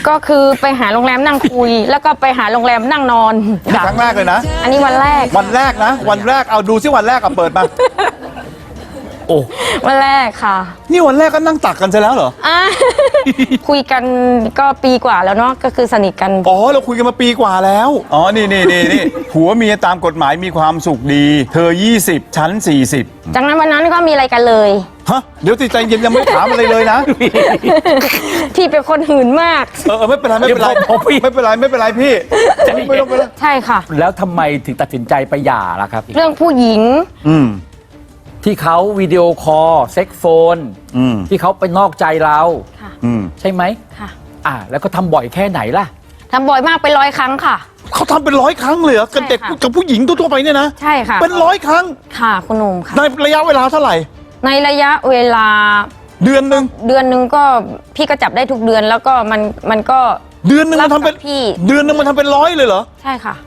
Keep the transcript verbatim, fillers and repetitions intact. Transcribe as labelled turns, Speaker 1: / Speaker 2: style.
Speaker 1: ก็คือไปหาโรงแรมนั่งคุย แล้วก็ไปหาโรงแรมนั่งนอน
Speaker 2: ครั้งแรกเลยนะ
Speaker 1: อันนี้วันแรก
Speaker 2: วันแรกนะ วันแรกเอาดูซิวันแรกอะเปิดมา
Speaker 3: โอ้
Speaker 1: วันแรกค่ะ
Speaker 2: นี่วันแรกก็นั่งตักกันซะแล้วเหรอ
Speaker 1: อ่ะ คุยกันก็ปีกว่าแล้วเนาะก็คือสนิทกัน
Speaker 2: อ๋อเราคุยกันมาปีกว่าแล้ว อ๋อ นี่นี่นี่นี่ผัวเมียตามกฎหมายมีความสุขดี เธอ ยี่สิบ ฉัน สี่สิบ
Speaker 1: จากนั้นวันนั้นก็มีอะไรกันเลย
Speaker 2: ฮะ เดี๋ยวติดใจเย็นยังไม่ถามอะไรเลยนะ
Speaker 1: พี่เป็นคนหื่นมาก
Speaker 2: เออเออไม่เป็นไรไม่เป็นไร
Speaker 3: เดี๋ยวผมพี่
Speaker 2: ไม่เป็นไรไม่เป็นไรพี่ไม่ต้องไปแล้ว
Speaker 1: ใช่ค่ะ
Speaker 3: แล้วทำไมถึงตัดสินใจไปหย่าล่ะครับ
Speaker 1: เรื่องผู้หญิง
Speaker 2: อืม
Speaker 3: ที่เขาวิดีโอคอลเซ็กโฟน
Speaker 2: อืม
Speaker 3: ที่เขาไปนอกใจเรา
Speaker 1: ค่ะ
Speaker 2: อืม
Speaker 3: ใช่ไหม
Speaker 1: ค่ะ
Speaker 3: อ่าแล้วก็ทำบ่อยแค่ไหนล่ะ
Speaker 1: ทำบ่อยมากเป็นร้อยครั้งค่ะ
Speaker 2: เขาทำเป็นร้อยครั้งเลยเหรอกับเด็ก
Speaker 1: ใช่ค่ะ
Speaker 2: กับผู้หญิงทั่วๆไปเนี่ยนะ
Speaker 1: ใช่ค่ะ
Speaker 2: เป็นร้อยครั้ง
Speaker 1: ค่ะคุณหนุ่มค่ะ
Speaker 2: ในระยะเวลาเท่าไหร่
Speaker 1: ในระยะเวลา
Speaker 2: เดือนหนึ่ง
Speaker 1: เดือนหนึ่งก็พี่ก็จับได้ทุกเดือนแล้วก็มันมันก็
Speaker 2: เดือนหนึ่งมันทำเป็น
Speaker 1: รับกับพี่
Speaker 2: เดือนหนึ่งมันทำเป็นร้อยเลยเหรอ
Speaker 1: ใช่ค่ะ